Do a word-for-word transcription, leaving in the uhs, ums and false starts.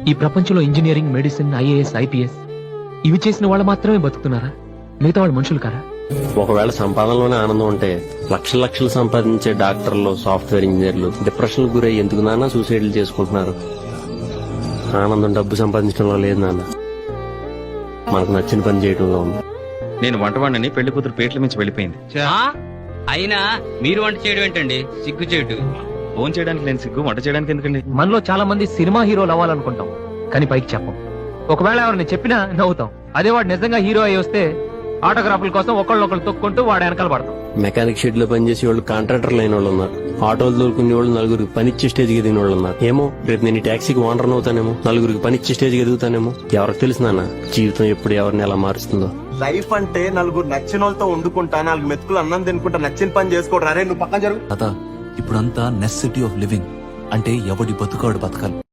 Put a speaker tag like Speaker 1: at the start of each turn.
Speaker 1: ఈ ప్రపంచంలో engineering, medicine, IAS, IPS ఇవి చేసిన వాళ్ళు మాత్రమే బతుకుతున్నారా? మిగతా వాళ్ళు మనుషులు కారా?
Speaker 2: ఒకవేళ సంపాదనలోనే ఆనందం ఉంటే లక్షల లక్షలు సంపాదించే డాక్టర్లు, సాఫ్ట్వేర్ ఇంజనీర్లు డిప్రెషన్ గురై ఎందుకు నాన్న సూసైడ్లు చేసుకుంటున్నారు? ఆనందం డబ్బు సంపాదించడంలో లేదు నాన్న, మనకు నచ్చిన పని చేయడంలో ఉంది.
Speaker 3: నేను వంటవాడిని, పెళ్లి కూతురు పేట్ల మించి వెళ్ళిపోయింది.
Speaker 4: అయినా మీరు వంట చేయడం ఏంటండి? సిగ్గు చేయడు.
Speaker 3: ఫోన్ చేయడానికి నేను సిగ్గు, వంట చేయడానికి ఎందుకండి?
Speaker 1: మనలో చాలా మంది సినిమా హీరోలు అవ్వాలనుకుంటాం, కానీ పైకి చెప్పం. ఒకవేళ ఎవరిని చెప్పినా నవ్వుతాం. అదే వాడు నిజంగా హీరో అయి వస్తే ఆటోగ్రాఫ్ల కోసం ఒకళ్ళొకళ్ళు తొక్కుంటూ వాడు వెనకాల పడతాం.
Speaker 2: మెకానిక్ షెడ్ లో పనిచేసే వాళ్ళు, కాంట్రాక్టర్లు అయిన వాళ్ళు ఉన్నారు. ఆటోలు దొరుకునే వాళ్ళు నలుగురికి పనిచ్చే స్టేజ్కి ఎదిగిన వాళ్ళు ఉన్నారు. ఏమో రేపు నేను ఈ టాక్సీకి ఓనర్ అవుతానేమో, నలుగురికి పనిచ్చే స్టేజ్కి ఎదుగుతానేమో. ఎవరికి తెలుసు నాన్న జీవితం ఎప్పుడు ఎవరిని ఎలా మారుస్తుందో.
Speaker 5: లైఫ్ అంటే నలుగురు నచ్చిన వాళ్ళతో వండుకుంటా, నాలుగు మెతుకులు అన్నం తినుకుంటా, నచ్చిన పని చేసుకోవడం. అరే నువ్వు పక్కన జరుగు.
Speaker 6: ఇప్పుడంతా నెసెసిటీ ఆఫ్ లివింగ్ అంటే ఎవడి బతుకాడు బతకాలి.